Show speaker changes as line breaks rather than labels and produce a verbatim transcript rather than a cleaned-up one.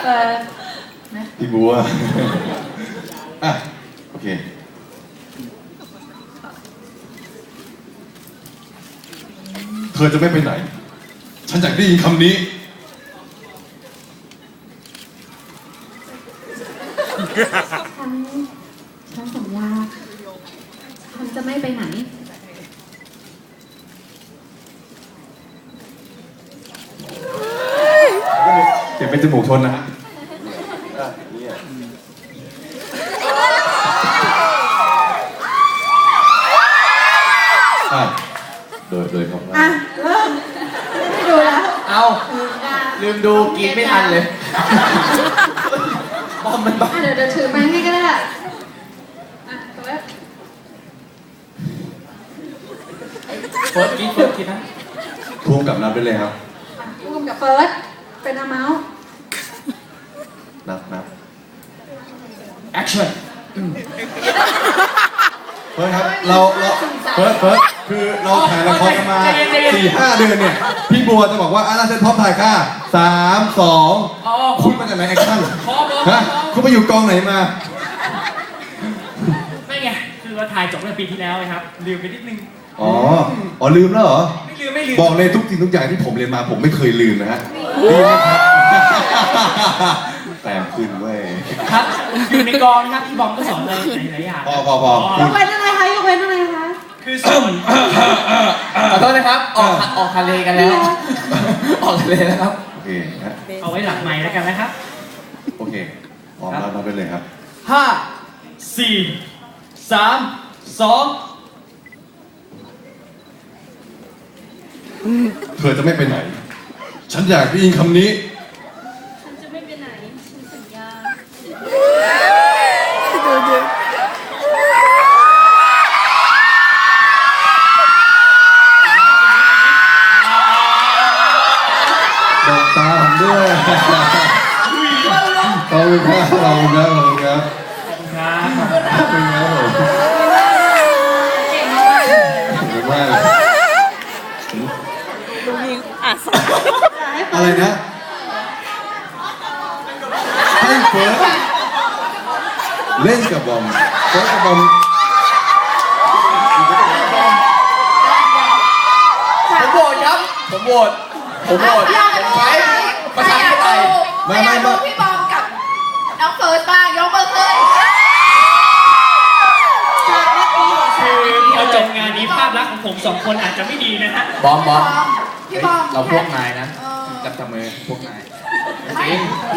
เปิด
พี่บัวอ่ะโอเคเธอจะไม่ไปไหนฉันอยากได้ยินคำนี้
ฉันฉันสัญญาฉันจะไม่ไปไหน
เก็บเป็นจมูกชนนะฮะอ่ะโดยโดยของเรา
อ่ะเริ่มไม่ดูแล้ว
เอาลืมดูกินไม่ทันเลยบอมมันบ้า
อ่ะเดี๋ยวเดี๋ยวถือไม้ให้ก็ได้อ่ะเปิด
เฟิร์สกินเฟิร์สกินนะ
ทวงกับนับได้เลยครับ
ร่วมกับเฟิร์สเป็นอาเมาส์
นับนับ
แอคชั่น
เฟิร์สครับเราเราเฟิร์สเฟิร์สคือเราถ่ายละครกันมาสี่ห้าเดือนเนี่ยพี่บัวจะบอกว่าอ่ะเราเซตพร้อมถ่ายค่ะสามสองคุณมาจากไหนแอคชั่นฮะคุณไปอยู่กองไหนมา
ไม่ไงคือว่าถ่ายจบเมื่อปีที่แล้วไงครับลืมไปนิดนึง
อ๋ออ๋อลืมแล้วเหรอ
ไม่ลืมไม่ลืม
บอกเลยทุกสิ่งทุกอย่างที่ผมเรียนมาผมไม่เคยลืมนะฮะดีไหมครับแต้มขึ้นเว้ย
ครับอยู่ในกองนะครับพี่บอมก็สอนอะไรหลายๆอย่าง
พอพอพอย
กเว้นอะไรคะยกเว้นอะไรคะ
คือสอน
ขอโทษนะครับออกออกทะเลกันแล้วออกทะเลแล้วครับ
โอเคฮะ
เอาไว้หลังไม้แล้วกันนะครับ
โอเคพร้อมแล้วนับไปเลยครับ
ห้า
สี่สามสอง
เธอจะไม่ไปไหน ฉันอยากได้ยินคำนี้
ฉันจะไม่ไปไหนฉันสัญญา
บอกตาผมด้วยขอบคุณครับขอบคุณครับขอบคุณครับขอบคุณครับ
ครับ
ขอบคุณครับผม
เก่งมาก
ขอบคุณมาก
ลุงยิงอ่ะส
อะไรนะให้เฟิร์สเล่นกับบอมเฟิร์สกับบอม
ผมโหวตครับผมโหวตผมโหวตผมใช้ประชาธิปไตย
ไม่ไม่ไม่
พี่บอมกับน้องเฟิร์สบ้างยกมือขึ้น
คือพอจบงานนี้ภาพลักษณ์ของผมสองคนอาจจะไม่ดีนะฮะ
บอมบอม
พี่บอม
เราพวกนายนะ
เออ
จับจับมือพวกนาย
ไม่
จริง